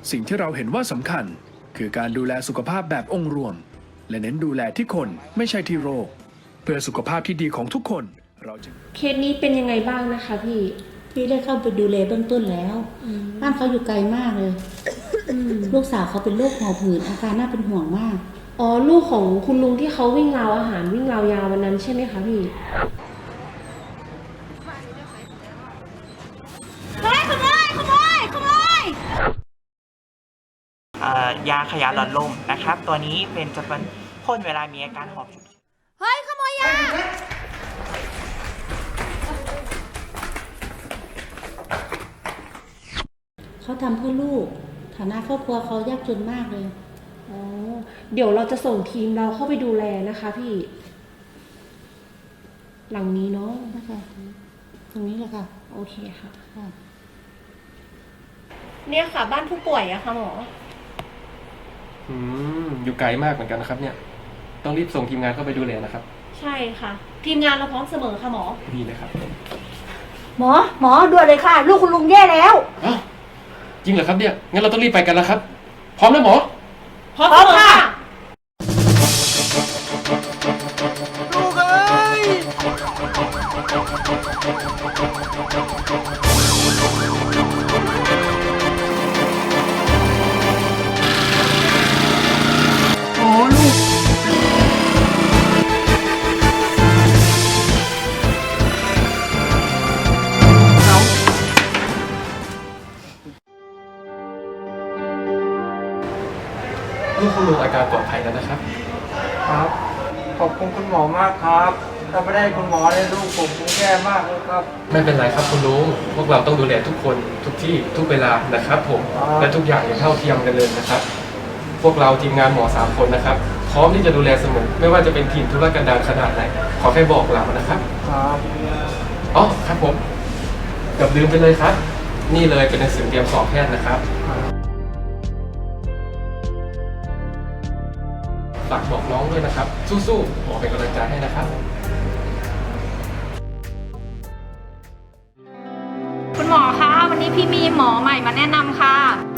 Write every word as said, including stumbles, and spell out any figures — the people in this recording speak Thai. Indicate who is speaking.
Speaker 1: สิ่งที่เราเห็นว่าสำคัญคือการดูแลสุขภาพแบบองค์รวมและเน้นดูแลที่คนไม่ใช่ที่โรคเพื่อสุขภาพที่ดีของทุกคนเราจะ
Speaker 2: เคสนี้เป็นยังไงบ้างนะคะพี่
Speaker 3: พี่ได้เข้าไปดูแลเบื้องต้นแล้วบ้านเขาอยู่ไกลมากเลยลูกสาวเขาเป็นโรคหอบหืดอาการน่าเป็นห่วงมาก
Speaker 2: อ๋อลูกของคุณลุงที่เขาวิ่งราวอาหารวิ่งราวยาววันนั้นใช่ไหมคะพี่
Speaker 4: เฮ้ยขโมยขโมยขโมย
Speaker 5: ยาขยะหลอดลมนะครับตัวนี้เป็นจะเป็นพ่นเวลามีอาการหอบฉุกเฉิน
Speaker 4: เฮ้ยขโมยยา
Speaker 3: เขาทำเพื่อลูกฐานะครอบครัวเขายากจนมากเลย
Speaker 2: อ๋อเดี๋ยวเราจะส่งทีมเราเข้าไปดูแลนะคะพี่หลังนี้เนาะ
Speaker 3: นะคะตรงนี้แหละค่ะ
Speaker 2: โอเคค่ะเนี่ยค่ะบ้านผู้ป่วยอะค่ะหมอ
Speaker 6: อืมอยู่ไกลมากเหมือนกันนะครับเนี่ยต้องรีบส่งทีมงานเข้าไปดูแลนะครับ
Speaker 2: ใช่ค่ะทีมงานเราพร้อมเสมอค่ะหมอ
Speaker 6: ดีเลยครับ
Speaker 4: หมอหมอด่วนเลยค่ะลูกคุณลุงแย่แล้ว
Speaker 6: อ้าวจริงเหรอครับเนี่ยงั้นเราต้องรีบไปกันแล้วครับพร้อมแล้วหมอ
Speaker 2: พร้อมค่ะ
Speaker 6: ลูกเอ้ยโอ้ลูกลูกคุณลุงอาการปลอดภัยแล้วนะครับ
Speaker 7: ครับขอบคุณคุณหมอมากครับถ้าไม่ได้คุณหมอเนี่ยลูกผมคงแย่มากเลยครับ
Speaker 6: ไม่เป็นไรครับคุณลุงพวกเราต้องดูแลทุกคนทุกที่ทุกเวลานะครับผมและทุกอย่างอย่างเท่าเทียมกันเลยนะครับพวกเราทีมงานหมอสามคนนะครับพร้อมที่จะดูแลเสมอไม่ว่าจะเป็นทีมธุรกันดารขนาดไหนขอแค่บอกเรานะครับ
Speaker 7: ครับ
Speaker 6: อ๋อครับผมเกือบลืมไปเลยครับนี่เลยเป็นหนังสือเตรียมสอบแพทย์นะครับฝากบอกน้องด้วยนะครับสู้ๆหมอเป็นกำลังใจให้นะครับ
Speaker 4: คุณหมอคะวันนี้พี่มีหมอใหม่มาแนะนำค่ะ